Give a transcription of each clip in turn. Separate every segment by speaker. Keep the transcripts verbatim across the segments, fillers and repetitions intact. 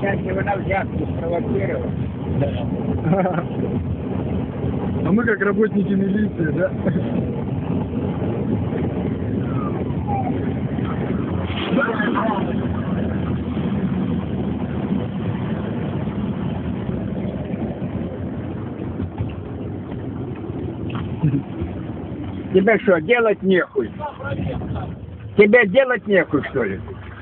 Speaker 1: Сейчас его на взятку спровоцировал.
Speaker 2: Да. А мы как работники милиции, да?
Speaker 1: Тебе что, делать нехуй? Тебе делать нехуй, что ли?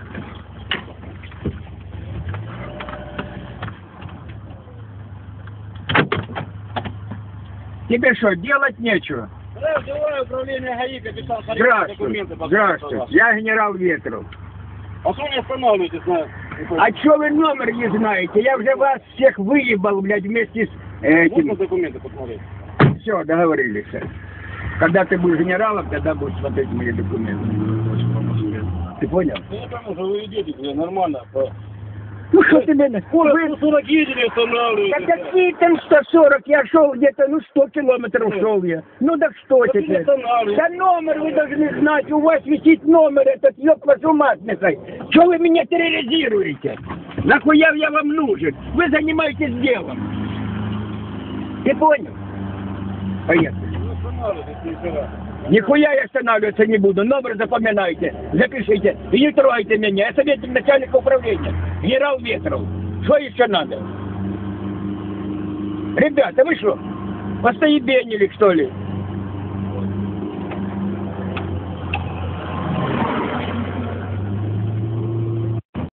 Speaker 1: Тебе что, делать нечего?
Speaker 3: Здравствуйте, управление ГАИ, капитан
Speaker 1: Здравствуй, здравствуй, я генерал Ветров.
Speaker 3: А что не останавливаетесь на...
Speaker 1: А что вы номер не знаете? Я уже вас всех выебал, блядь, вместе с этим.
Speaker 3: Можно документы посмотреть?
Speaker 1: Все, договорились. Когда ты будешь генералом, тогда будешь смотреть мои документы. Ты понял?
Speaker 3: Я там уже вы идете, блин, нормально.
Speaker 1: Ну что ты меня...
Speaker 3: Вы сто сорок едете, останавливаетесь.
Speaker 1: Да какие там сто сорок? Я шел где-то, ну сто километров шел я. Ну так что
Speaker 3: Да ты
Speaker 1: теперь?
Speaker 3: не останавливайся.
Speaker 1: Да номер вы должны знать, у вас висит номер этот, ёб вашу мать, нахай. Что вы меня терроризируете? Нахуя я вам нужен? Вы занимаетесь делом. Ты понял? Поехали.
Speaker 3: Не останавливайтесь, нифига.
Speaker 1: Нихуя я останавливаться не буду. Номер запоминайте, запишите. И не трогайте меня. Я советник начальника управления. Генерал Ветров. Что еще надо? Ребята, вы что, постоебенили, что ли?